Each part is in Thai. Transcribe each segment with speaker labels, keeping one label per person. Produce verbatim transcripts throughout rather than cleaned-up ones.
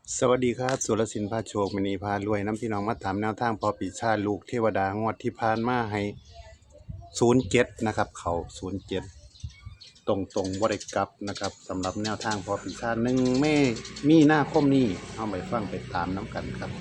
Speaker 1: สวัสดีครับสุรศิลป์พาโชคมณีพารวยน้ำพี่น้องมาถามแนวทางพอปีชาลูกเทวดางวดที่ผ่านมาให้ศูนย์เจ็ดนะครับเขาศูนย์เจ็ดตรงตรงบริกรับนะครับสำหรับแนวทางพอปีชาหนึ่งเมมีหน้าคมนี้เอาไปฟังไปตามน้ำกันครับ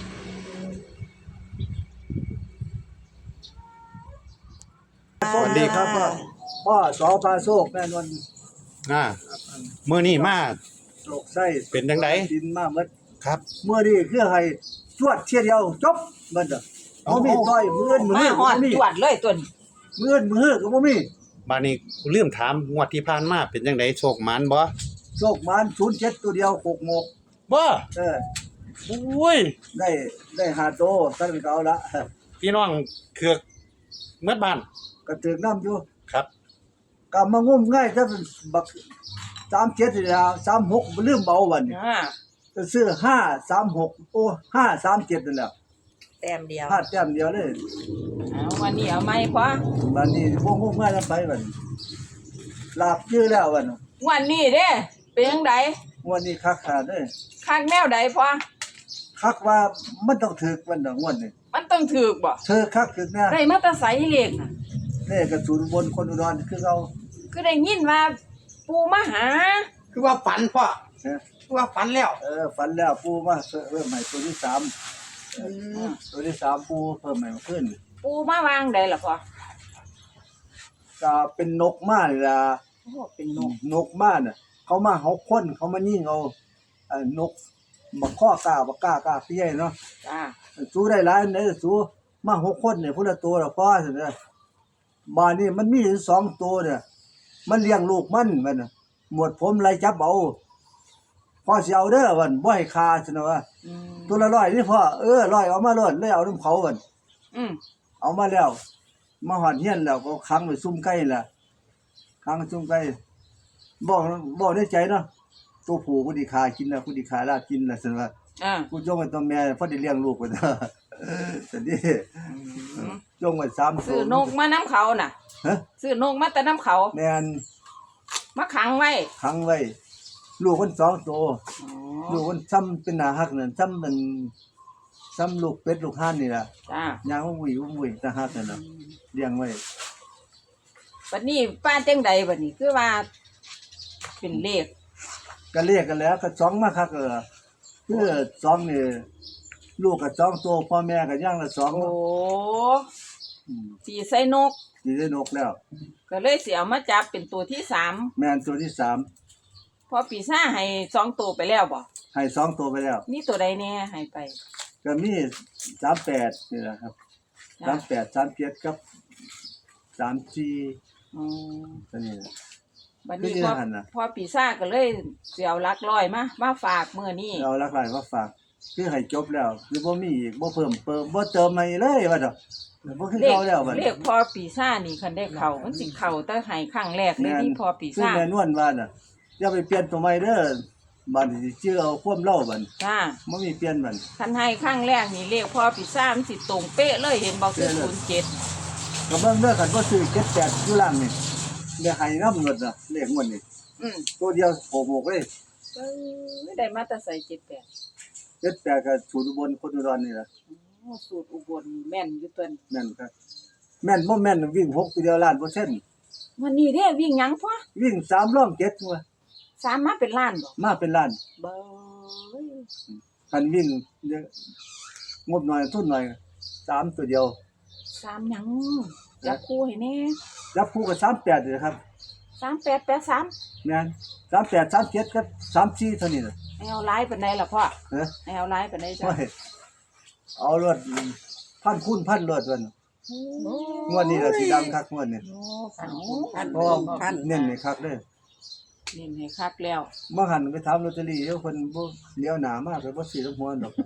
Speaker 1: สวัสดีครับพ่อ
Speaker 2: พ่อสอพาโชคแม่นวล
Speaker 1: อ่าเมื่อนี้มา
Speaker 2: โศกไส้
Speaker 1: เป็นจังได
Speaker 2: ดินมาเมด
Speaker 1: ครับ
Speaker 2: เมื่อนี้คือให้จวดเที่ยเดียวจบเบิดอ่ะ
Speaker 1: เอา
Speaker 2: บ่มีต้อยมืออื่นมือ
Speaker 3: มา
Speaker 2: อื่น
Speaker 3: หอด
Speaker 2: บ่มี
Speaker 3: จวดเลยตัวนี้
Speaker 2: มืออื่นมืออื่นก็บ่มี
Speaker 1: บานี้เรื่องถามงวดที่ผ่านมาเป็นจังไดโชคหมานบ่
Speaker 2: โชคมันศูนย์เจ็ดตัวเดียวหกโมก
Speaker 1: บ่
Speaker 2: เออ
Speaker 1: โอ้ย
Speaker 2: ได้ได้หาโตท่านก็เอาละ
Speaker 1: พี่น้องเคือกเมื่อบ้าน
Speaker 2: ก็ถึงน้ำอยู่
Speaker 1: ครับ
Speaker 2: ก็มางุ่มง่ายถ้าเป็นบักสามเจ็ดนี่ล่ะสามหกบ่ลืมเบาวันนี้
Speaker 3: อ่า
Speaker 2: ก็ซื้อห้าสามหกโอ้ห้าสามเจ็ดนั่นแหละ
Speaker 3: แต้มเดียว
Speaker 2: พลาดแต้มเดียวเลย
Speaker 3: เอาวันนี้เอาไหมพ่อ
Speaker 2: บัดนี้พวกงุ่มง่ายแล้วไปบัดนี้ลาบชื่อแล้ววันนี้
Speaker 3: วันนี้เด้เป็นจังได
Speaker 2: วันนี้คักขาดเด้อ
Speaker 3: คักแนวใดพ่อ
Speaker 2: คักว่ามันต้องถึกมันดอกงวดนี่
Speaker 3: มันต้องถูกบ่
Speaker 2: เธอคักถึกแน่
Speaker 3: ได้มาแตะไสเลขน่ะ
Speaker 2: นี่กระสุนบนคนอุดรคือเอา
Speaker 3: คือได้ยินว่าปู่มาหา
Speaker 4: คือว่าฝันพ่อ
Speaker 2: เอ้อ
Speaker 4: คือว่าฝันแล้ว
Speaker 2: เออฝันแล้วปูมาเพิ่มใหม่ตัวที่สามตัวที่สามปูเพิ่มใหม่มาขึ้น
Speaker 3: ปู่มาวางได้ล่ะพ่อ
Speaker 2: ก็เป็นนกมานี่ล่ะ
Speaker 3: โอ้เป็นนก
Speaker 2: นกมาน่ะเขามาเฮาคนเขามายิงเอาเอ่อนกบักข้อกล้าบักกล้ากล้าเปี้ยเนาะ
Speaker 3: จ้า
Speaker 2: สู้ได้หลายอันเด้อสู้มาหกคนเนี่ยพุ่นละตัวละพอซั่นเด้อบ้านนี้มันมีอยู่สองตัวเนี่ยมันเลี้ยงลูกมันมันน่ะหมวดผมไล่จับเอาพอสิเอาเด้อวันบ่ให้คาซั่นน่ะว่า
Speaker 3: อืม
Speaker 2: ตัวละร้อยนี่พ่อเออร้อยเอามาโลดเลยเอาน้ำเขาวัน
Speaker 3: อืม
Speaker 2: เอามาแล้ว มาหอดเฮียนแล้วก็ขังไว้ซุ่มไก่ล่ะขังไว้ซุ่มไก่บอกบอกในใจเนาะตัวผู้กูสิขากินแล้วกูสิขาลาบกินล่ะซั่นว่า
Speaker 3: อ่า
Speaker 2: กูจงไว้ตัวแม่พอได้เลี้ยงลูกไว้เด้อซั่นดิ
Speaker 3: อืม
Speaker 2: จงไว้สามตัว
Speaker 3: ซื้อนกมาน้ำเขาน่ะ
Speaker 2: ฮะ
Speaker 3: ซื้อนกมาแต่น้ำเขา
Speaker 2: แม่น
Speaker 3: มาขังไว้
Speaker 2: ขังไว้ ลูกมันสองตัว
Speaker 3: อ๋อ
Speaker 2: ลูกมันซ้ำเป็นหน้าฮักนั่นซ้ำมันซ้ำลูกเป็ดลูกห่านนี่ล่ะ
Speaker 3: จ้า
Speaker 2: ย่างวุ้ยวุ้ยตาฮักนั่นน่ะเลี้ยงไว้
Speaker 3: บัดนี้ป้าจังใดบัดนี้คือว่า เป็นเลข
Speaker 2: ก็เรียกกันแล้วก็สองมาคักเออคือสองนี่ลูกก็สองตัวพ่อแม่ก็ย่างละสอง
Speaker 3: โอ้
Speaker 2: อืม
Speaker 3: สีใส่นก
Speaker 2: สิได้นกแล้ว
Speaker 3: ก็เลยเสียมาจับเป็นตัวที่สาม
Speaker 2: แม่นตัวที่สาม
Speaker 3: พอปีซ่าให้สองตัวไปแล้วบ่
Speaker 2: ให้สองตัวไปแล้ว
Speaker 3: มีตัวใดแน่ให้ไป
Speaker 2: ก็มีสามแปดนี่แหละครับ
Speaker 3: จ้ะ
Speaker 2: สามแปดสามเจ็ดกับสามสี่
Speaker 3: อืม
Speaker 2: ตัวนี้แหละ
Speaker 3: บัดนี้
Speaker 2: คือ
Speaker 3: พอ
Speaker 2: หันน่ะ
Speaker 3: พอปีซ่าก็เลยเสียวลักลอยมามาฝากมื้อนี้
Speaker 2: เอาหลักหลายมาฝากคือให้จบแล้วคือบ่มีอีกบ่เพิ่มเติมบ่เติมใหม่เลยว่าดอกบ่คือ
Speaker 3: เลข
Speaker 2: เก่าแล้วบัด
Speaker 3: เลขพอปีซ่านี่คันได้เข้ามันสิเข้าแต่ให้ครั้งแรกเลยที่พอปี
Speaker 2: คือ
Speaker 3: ซ่า
Speaker 2: แม่นวลว่าน่ะอย่าไปเปลี่ยนตัวใหม่เด้อบัดนี้สิชื่อเอาความเล่าบัด
Speaker 3: จ้า
Speaker 2: บ่มีเปลี่ยนบัด
Speaker 3: คันให้ครั้งแรกนี่เลขพอปีซ่ามันสิตรงเป๊ะเลยเห็นบอกคือ
Speaker 2: เป๊ะเลย
Speaker 3: ศูนย์เจ็ด
Speaker 2: ก็เบิ่งเด้อคันบ่ซื้อเจ็ดแปดอยู่ล่างนี่เดี๋ยวให้นำหมดน่ะเลขงวดนี่
Speaker 3: อืม
Speaker 2: ตัวเดียวโผล่ๆเลย
Speaker 3: เอ้ยได้มาแต่ใส่เจ็ดแปด
Speaker 2: เจ็ดแปดก็สูตรอุบลคนอุดรนี่ล่ะ
Speaker 3: โอ้สูตรอุบลแม่นอยู่ตัวนี้
Speaker 2: แม่นครับแม่นบ่แม่นวิ่งหกตัวเดียวล้านเปอร์เซ็นต์
Speaker 3: วันนี้เด้วิ่งหยังพอ
Speaker 2: วิ่งสามรอบเจ็ดตัว
Speaker 3: สามมาเป็นล้านบ่
Speaker 2: มาเป็นล้าน
Speaker 3: เบ้ย
Speaker 2: คันวิ่งเยอะงบหน่อยทุนหน่อยสามตัวเดียว
Speaker 3: สามหยังจับคู่ให้แน่
Speaker 2: จับคู่กับสามแปดเลยครับ
Speaker 3: สามแปดแปดสาม
Speaker 2: แม่นสามแปดสามเจ็ดกับสามสี่เท่านี้น่ะ
Speaker 3: ให้เอาไลน์ปานใดล่ะพ่อ
Speaker 2: ฮะ
Speaker 3: ให้เอาไลน์ปานใดจ้ะ
Speaker 2: โอ้ยเอารถพันคูณพันรถวันงวดนี้ล่ะสิดังคักงวดนี้
Speaker 3: โอ้พัน
Speaker 4: พัน
Speaker 2: เพราะว่าเน้นนี่คักเด้อ
Speaker 3: นี่ให้คักแล้ว
Speaker 2: มาหันไปถามลอตเตอรี่เดี๋ยวเพิ่นบ่เลี้ยวหน้ามาก็บ่ซื้อลำหัวดอก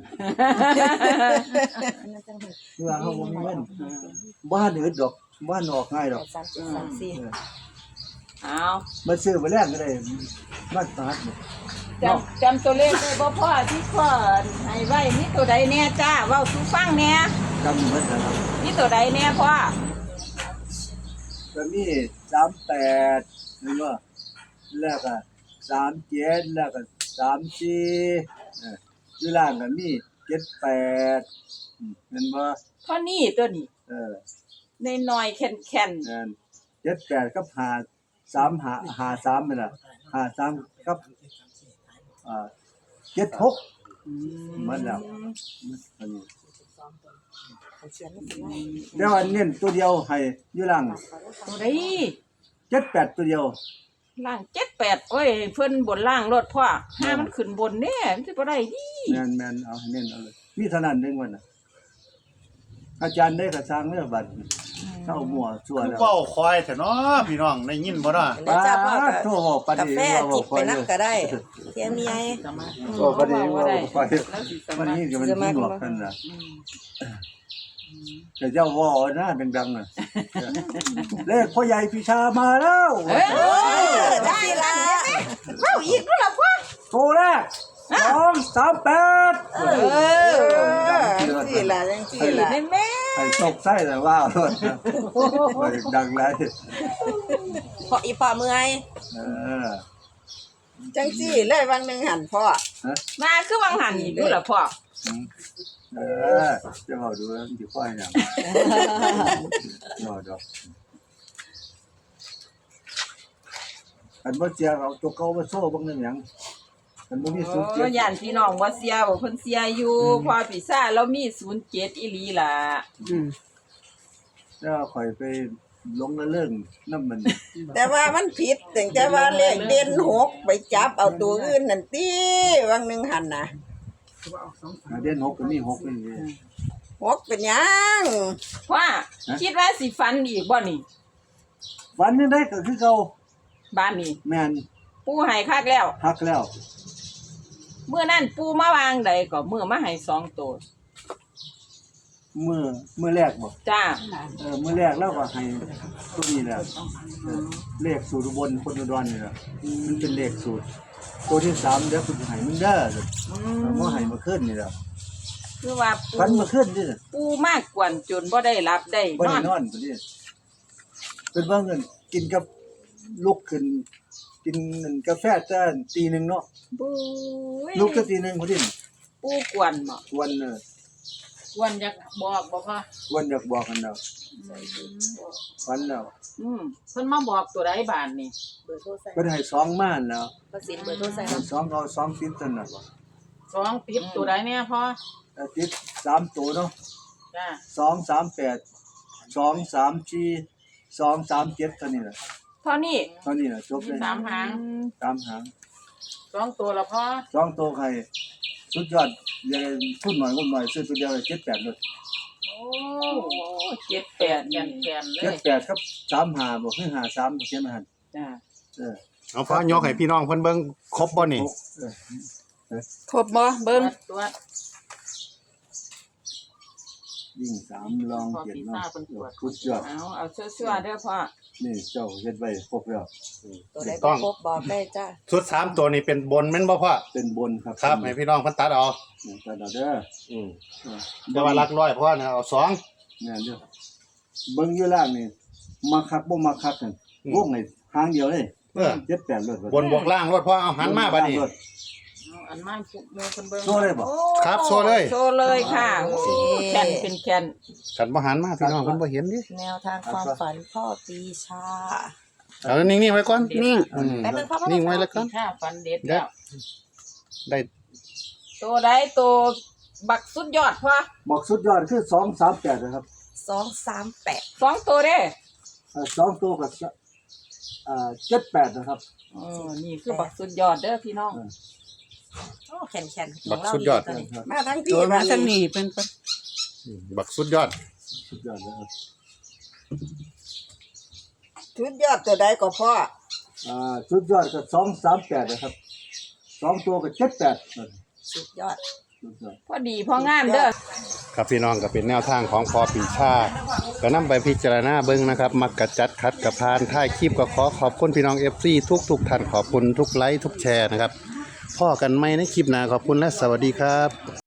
Speaker 2: เพื่อเฮาบ่มีเงินบ่หันอึดดอกบ่หันออกง่ายดอก
Speaker 3: สามสามสี่
Speaker 2: เออ
Speaker 3: เอา
Speaker 2: มาซื้อไปแลกก็ได้มาตาดนี่
Speaker 3: จำจำตัวเลขได้บ่พ่อที่พ่อให้ไว้มีตัวใดแน่จ้าเว้าสู่ฟังแน่
Speaker 2: จำหมดแล้วครับ
Speaker 3: มีตัวใดแน่พ่อ
Speaker 2: ก็มีสามแปดนี่ว่าแล้วก็สามเจ็ดแล้วก็สามสี่เอออยู่ล่างก็มีเจ็ดแปดอืมเห็นบ่
Speaker 3: เท่านี้ตัวนี้
Speaker 2: เออ
Speaker 3: ในน้อยๆแข็ง
Speaker 2: นั่นเจ็ดแปดกับห้าสามห้าห้าสามนี่ล่ะห้าสามกับอ่าเจ็ดหก
Speaker 3: ๆอืม
Speaker 2: มันแล้วอันนี้เดี๋ยวอันเน้นตัวเดียวให้อยู่ล่าง
Speaker 3: ตัวใด
Speaker 2: เจ็ดแปดตัวเดียว
Speaker 3: ล่างเจ็ดแปดโอ้ยเพิ่นบนล่างรถพ่อห้ามันขึ้นบนแน่มันสิบ่ได้ดิ
Speaker 2: แม่นแม่นเอาให้เน้นเอาเลยมีเท่านั้นเด้งวันน่ะอาจารย์ได้กระซังเด้อบัดเข้ามั่วชั่ว
Speaker 1: คือ
Speaker 2: แล้ว
Speaker 1: เว้าคอยแต่เนาะพี่น้องได้ยินบ่เนาะ
Speaker 5: แล้วจะพ่อ
Speaker 2: ป้าโทรบอกปาน
Speaker 5: กา
Speaker 2: นี้
Speaker 5: แฟ
Speaker 2: ว่า
Speaker 5: จิบ
Speaker 2: บ่
Speaker 5: ไป
Speaker 2: ค่อย
Speaker 5: นั
Speaker 2: เด้
Speaker 5: บ
Speaker 2: อ
Speaker 5: ก็ได้เทียมใหญ่
Speaker 2: ก็ปานนี้ว่าบ่ค่อย
Speaker 3: แล้วสิส
Speaker 2: วัน
Speaker 3: มัคร
Speaker 2: นี้ก็มันที่หนวกกันน่ะแต่เจ้าว่านะดังๆน่ะเลขพ่อใหญ่พิชามาแล้ว
Speaker 3: เอ้ย
Speaker 5: เออได้ละ
Speaker 3: เว้าอีกแล้วล่ะพ่อ
Speaker 2: โทรแรกสองสามแปด
Speaker 5: เออจังซี่ล่ะจังซี่ล่ะ
Speaker 3: แม่แม่
Speaker 2: ไอ้ตกไส้แต่ว่าโลดนะบ่ได้ดังไร
Speaker 5: พออีพ่อเมื่อย
Speaker 2: เออ
Speaker 5: จังซี่เลยวันหนึงหันพ่อ
Speaker 3: มาคือวังหันอีกดูล่ะพ่อ
Speaker 2: เออจะบอกดูแล้วมันสิค่อยหยังรอดอกอันบ่เจียเอาตัวเก่ามาโซ่เบิ่งนั่นหยังอันบ่มีสุดเจ็
Speaker 3: โอ้
Speaker 2: ด
Speaker 3: ย่านพี่น้องบ่เสียบ่เพิ่นเสียอยู่พอปีซ่าจเรามีศูนย์เจ็ดอีหลีล่ะ
Speaker 2: แล้วข่อยไปลงละเรื่องน้ำมัน
Speaker 5: แต่ว่ามันผิดถึงแต่ว่าเลขเด่นหกไปจับเอาตัวอื่นนั่นติวันหนึงหันน่ะ
Speaker 2: เดือนหกก็มีหกนี่
Speaker 5: หกเป็นหยัง
Speaker 3: ว่าคิดว่าสิฟันอีกบ่นี่
Speaker 2: วันนี้ได้ก็คือเก่า
Speaker 3: บ้านนี้
Speaker 2: แม่น
Speaker 3: ปูให้คักแล้ว
Speaker 2: ฮักแล้ว
Speaker 3: เมื่อนั้นปูมาวางใดก็มื้อมาให้สองตัว
Speaker 2: มือมือแรกบ่
Speaker 3: จ้า
Speaker 2: เออมือแรกแล้วก็ให้ตัวนี้แหละเออเลขสูตรอุบนคนอุดรนี่แหละมันเป็นเลขสูตร ตัวที่สามเดี๋ยวคุณให้มึงเด้อเมื่อให้มาขึ้นนี่แหละ
Speaker 3: คือว่าปู
Speaker 2: ฟันมาขึ้นนี่
Speaker 3: ปูมากกวนจนบ่ได้รับได้
Speaker 2: บ่
Speaker 3: นอ
Speaker 2: ได้
Speaker 3: น
Speaker 2: นอนพุ่นนี่เป็นว่าเงินกินกับลุกขึ้น กินเงินกาแฟจ้าตีหนึงเนาะ
Speaker 3: ปุ้ย
Speaker 2: ลุกก็ตีหนึงพุ่นนี่
Speaker 3: ปูกวนบ่
Speaker 2: วันเออก
Speaker 3: วนอยากบอกบ่พ่อ
Speaker 2: วันอยากบอกกันแล้วฟันแล้ว
Speaker 3: อืมเพิ่นมาบอกตัวใดบานนี่
Speaker 5: เบอร์โทรใส่
Speaker 2: เพิ่นให้สองม่านแล้ว
Speaker 5: ประสิทธิ์เบอร์โทรใส่
Speaker 2: สองเอาสองติดตันน่ะ
Speaker 3: สองติดตัวใดแน่พ่อ
Speaker 2: แต่ติดสามตัวเนาะ
Speaker 3: จ้า
Speaker 2: สองสามแปดสองสามสี่สองสามเจ็ดเท่านี้แหละ
Speaker 3: เท่านี้
Speaker 2: เท่านี้แหละจบ
Speaker 3: มี
Speaker 2: เลย
Speaker 3: สามหาง
Speaker 2: สามหาง
Speaker 3: สองตัวละพ่อ
Speaker 2: สองตัวใครสุดยอดอย่าพูดหน่อยพูดหน่อยซื้อตัวเดียวเลยเจ็ดแปดเลย
Speaker 3: โอ้เจ็ดแปดแก่นแก่นเล
Speaker 2: เจ็ด
Speaker 3: ย
Speaker 2: แปดครับสามหาบอกให้หาสามเขียนมาหัน
Speaker 3: จ้า
Speaker 2: เออ
Speaker 1: เอาฟ้ายกให้พี่น้องเพิ่นเบิ่งครบบ่นี่
Speaker 2: หกเออ
Speaker 5: ครบบ่เบิ่ง
Speaker 3: ตัว
Speaker 2: ยิ่งสามลองเขียนเนาะสุดยอด
Speaker 3: เอาเอาชั่วๆเด้อพ่อ
Speaker 2: นี่เจ้าเฮ็ดไว้ครบแล้ว
Speaker 5: ตัวใดบ่ครบบอกได้จ้า
Speaker 1: ชุดสามตัวนี่เป็นบนแม่นบ่พ่อ
Speaker 2: เป็นบนครับ
Speaker 1: ครับให้พี่น้องเพิ่นตัดเอา
Speaker 2: นี่ตัดเอาเด้อ
Speaker 1: อืม
Speaker 2: เออ
Speaker 1: แต่ว่าหลักร้อยพ่อนะเอาสอง
Speaker 2: แม่นเด้อเบิ่งอยู่ล่างนี่มาคักบ่มาคักกันวงนี่หางเดียวเลย
Speaker 1: เออ
Speaker 2: เจ็ดแปดเลย
Speaker 1: บนบวกล่างรถพ่อเอาหันมาบัดนี้
Speaker 3: เอาอันมาหมู่เพิ่นเบิ่ง
Speaker 2: โซ่เลยบ่
Speaker 3: โอ้
Speaker 1: ครับโชว์เลย
Speaker 3: โชว์เลยค่ะโอ้แก่นเป็นแก่น
Speaker 1: กันบ่หันมาพี่น้องเพิ่นบ่เห็นดิ
Speaker 5: แนวทางความฝันพ่อปีชา
Speaker 1: เอานิ่งๆไว้ก่อน
Speaker 5: นิ่ง
Speaker 1: อืม
Speaker 5: แป๊บนึงพ่อ
Speaker 1: นิ่งไว้แล้วก่อน
Speaker 3: ถ้าฟันเด็ด
Speaker 1: เดี๋
Speaker 3: แล้
Speaker 1: ยว
Speaker 3: ว
Speaker 1: ได้
Speaker 3: ตัวใดตัวบักสุดยอดพ่อ
Speaker 2: บอกสุดยอดคือสองสามแปดนะครับ
Speaker 5: สองสามแปด
Speaker 3: สองตัวเด้
Speaker 2: เอ่อสองตัวกับเอ่อเจ็ดแปดนะครับ
Speaker 3: เออนี่คือบักสุดยอดเด้อพี่น้อง
Speaker 5: โอ้แข็งแข็ง
Speaker 1: บักสุดยอด
Speaker 5: มาทั้งพี่มาทั้งนี้เป็น
Speaker 1: บักสุดยอด
Speaker 2: สุดยอดนะครับ
Speaker 5: ชุดยอดตัวใดก็พ่อ
Speaker 2: อ่าสุดยอดกับสองสามแปดนะครับสองตัวกับเจ็ดแปด
Speaker 5: สุดยอด
Speaker 2: สุดยอด
Speaker 3: พอดีพองามเด้อ
Speaker 1: ครับพี่น้องก็เป็นแนวทางของพอปีชาก็นำไปพิจารณาเบิ่งนะครับ มักกะจัดคัดกะพานท้ายคลิปก็ขอขอบคุณพี่น้อง เอฟ ซี ทุกทุกๆท่านขอบคุณทุกไลค์ทุกแชร์นะครับพ่อกันไหมในคลิปหน้าขอบคุณและสวัสดีครับ